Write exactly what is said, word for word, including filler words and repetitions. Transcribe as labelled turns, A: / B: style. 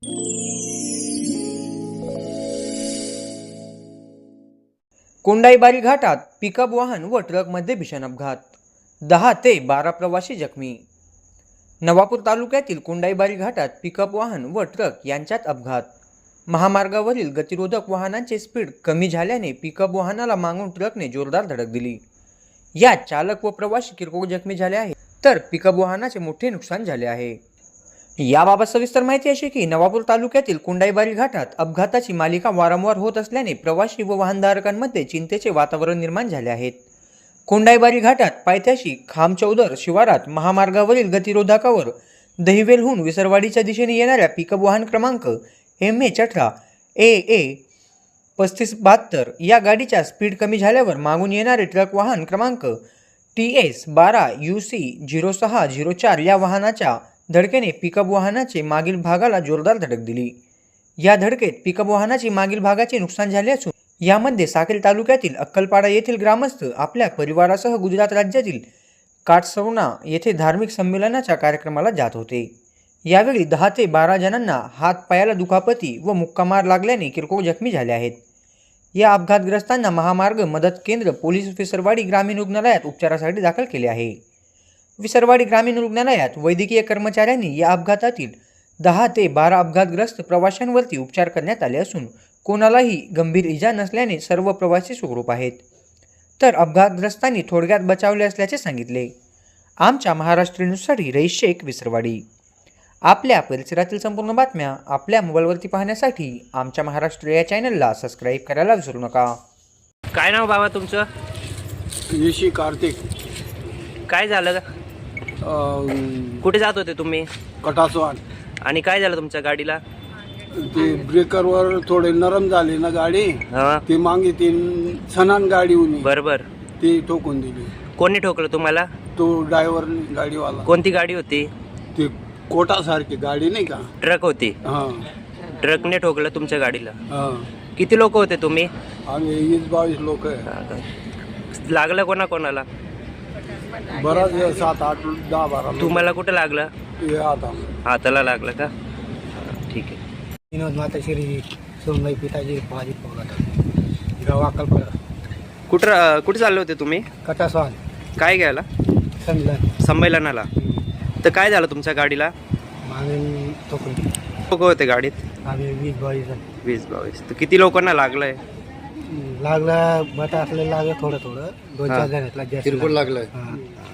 A: कोंडाईबारी घाटात पिकअप वाहन व ट्रकमध्ये भीषण अपघात, दहा ते बारा प्रवासी जखमी। नवापूर तालुक्यातील कोंडाईबारी घाटात पिकअप वाहन व ट्रक यांच्यात अपघात। महामार्गावरील गतिरोधक वाहनांचे स्पीड कमी झाल्याने पिकअप वाहनाला मागून ट्रकने जोरदार धडक दिली। यात चालक व प्रवासी किरकोळ जखमी झाले आहेत, तर पिकअप वाहनाचे मोठे नुकसान झाले आहे। याबाबत सविस्तर माहिती अशी की नवापूर तालुक्यातील कोंडाईबारी घाटात अपघाताची मालिका वारंवार होत असल्याने प्रवासी व वाहनधारकांमध्ये चिंतेचे वातावरण निर्माण झाले आहेत। कोंडाईबारी घाटात पायथ्याशी खामचौदर शिवारात महामार्गावरील गतिरोधकावर दहिवेलहून विसरवाडीच्या दिशेने येणाऱ्या पिकअप वाहन क्रमांक एम एच अठरा ए ए पस्तीस बहात्तर या गाडीच्या स्पीड कमी झाल्यावर मागून येणारे ट्रक वाहन क्रमांक टी एस बारा यू सी झिरो सहा झिरो चार या वाहनाच्या धडकेने पिकअप वाहनाचे मागील भागाला जोरदार धडक दिली। या धडकेत पिकअप वाहनाची मागील भागाचे नुकसान झाले असून यामध्ये साक्री तालुक्यातील अक्कलपाडा येथील ग्रामस्थ आपल्या परिवारासह गुजरात राज्यातील काटसवना येथे धार्मिक संमेलनाच्या कार्यक्रमाला जात होते। यावेळी दहा ते बारा जणांना हात पायाला दुखापती व मुक्कामार लागल्याने किरकोळ जखमी झाले आहेत। या अपघातग्रस्तांना महामार्ग मदत केंद्र पोलीस विसरवाडी ग्रामीण रुग्णालयात उपचारासाठी दाखल केले आहे। विसरवाडी ग्रामीण रुग्णालयात वैद्यकीय कर्मचाऱ्यांनी या अपघातातील दहा ते बारा अपघातग्रस्त प्रवाशांवरती उपचार करण्यात आले असून कोणालाही गंभीर इजा नसल्याने सर्व प्रवासी सुखरूप आहेत, तर अपघातग्रस्तांनी थोडक्यात बचावले असल्याचे सांगितले। आमच्या महाराष्ट्र न्यूजसाठी रईस शेख, विसरवाडी। आपल्या परिसरातील संपूर्ण बातम्या आपल्या मोबाईलवरती पाहण्यासाठी आमच्या महाराष्ट्र या चॅनलला सबस्क्राईब करायला विसरू नका।
B: काय नाव बाबा तुमचं?
C: येशी कार्तिक।
B: काय झालं? कुठे जात होते तुम्ही?
C: कटासवाड।
B: आणि काय झालं तुमच्या गाडीला?
C: ते ब्रेकरवर थोडे नरम झाले ना गाडी, ती मागे तीन सनान गाडी होती,
B: बरोबर,
C: ती ठोकून दिली।
B: कोणी ठोकलं तुम्हाला?
C: तो ड्रायव्हर गाडीवाला।
B: कोणती गाडी होती?
C: ती कोटासारखी गाडी नाही का,
B: ट्रक होती।
C: हां,
B: ट्रकने ठोकलं तुमच्या गाडीला?
C: हां।
B: किती लोक होते तुम्ही?
C: आम्ही वीस बावीस लोक आहे।
B: लागलं कोणा कोणाला?
C: बराच सात आठ दहा बारा।
B: तुम्हाला कुठं लागलं?
C: आता
B: हाताला लागलं का? ठीक आहे।
D: विनोद माताश्री सोनबाई पिताजी भाजी पोगट गाव अक्कलपाडा।
B: कुठं कुठे चालले होते तुम्ही?
D: कटासवाल।
B: काय घ्यायला?
D: संमेलन।
B: संमेलनाला? तर काय झालं तुमच्या गाडीला?
D: मागे तोकून
B: लोक होते गाडीत?
D: आम्ही वीस बावीस जण।
B: वीस बावीस तर किती लोकांना लागलंय?
D: लागलं बटा असले लागलं थोडं थोडं, दोन चार जण जास्त
C: किरकोळ लागलाय।
D: हां।